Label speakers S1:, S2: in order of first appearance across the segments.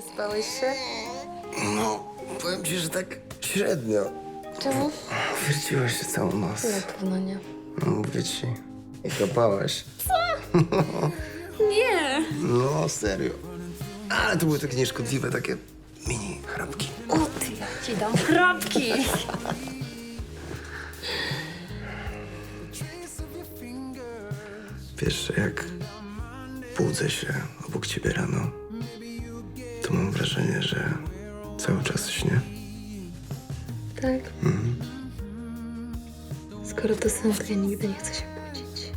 S1: Wyspałeś się?
S2: No, powiem ci, że tak średnio.
S1: Czemu?
S2: Wierciłaś się całą noc.
S1: Na pewno nie.
S2: No, mówię ci. I kapałaś.
S1: Nie!
S2: No, serio. Ale to były takie nieszkodliwe, takie mini chrapki.
S1: O ty, ja ci dam chrapki!
S2: Wiesz, że jak budzę się obok ciebie rano, to mam wrażenie, że cały czas śnię.
S1: Tak? Skoro to sen, to ja nigdy nie chcę się budzić.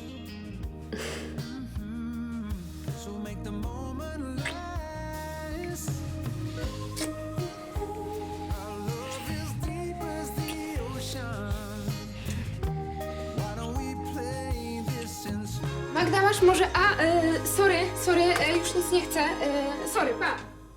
S3: Magda, masz może... sorry, już nic nie chcę. Sorry, pa.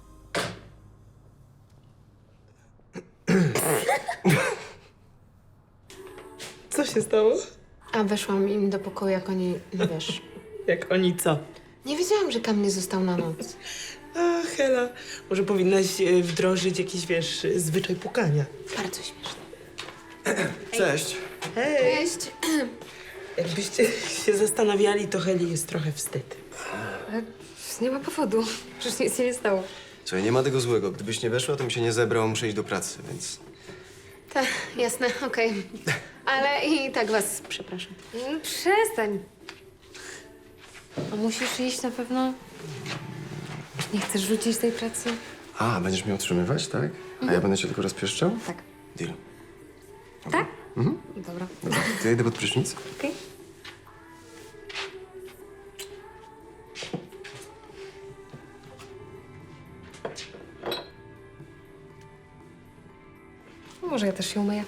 S4: Co się stało?
S3: A weszłam im do pokoju, jak oni, no wiesz...
S4: Jak oni co?
S3: Nie wiedziałam, że Kam nie został na noc.
S4: A, Hela, może powinnaś wdrożyć jakiś, wiesz, zwyczaj pukania.
S3: Bardzo śmieszne.
S2: Cześć.
S4: Hej!
S3: Cześć.
S4: Jakbyście się zastanawiali, to Heli jest trochę wstyd.
S1: Ale nie ma powodu. Przecież nic się nie stało.
S2: Słuchaj, nie ma tego złego. Gdybyś nie weszła, to mi się nie zebrał, muszę iść do pracy, więc...
S3: Tak, jasne, okej. Ale i tak was przepraszam.
S1: Przestań. A musisz iść na pewno? Nie chcesz rzucić tej pracy?
S2: A, będziesz mnie utrzymywać, tak? A ja będę cię tylko rozpieszczał?
S1: Tak.
S2: Deal.
S1: Tak? Dobra.
S2: Dobra, to ja idę pod prysznic.
S1: Okej. Może ja też się umyję.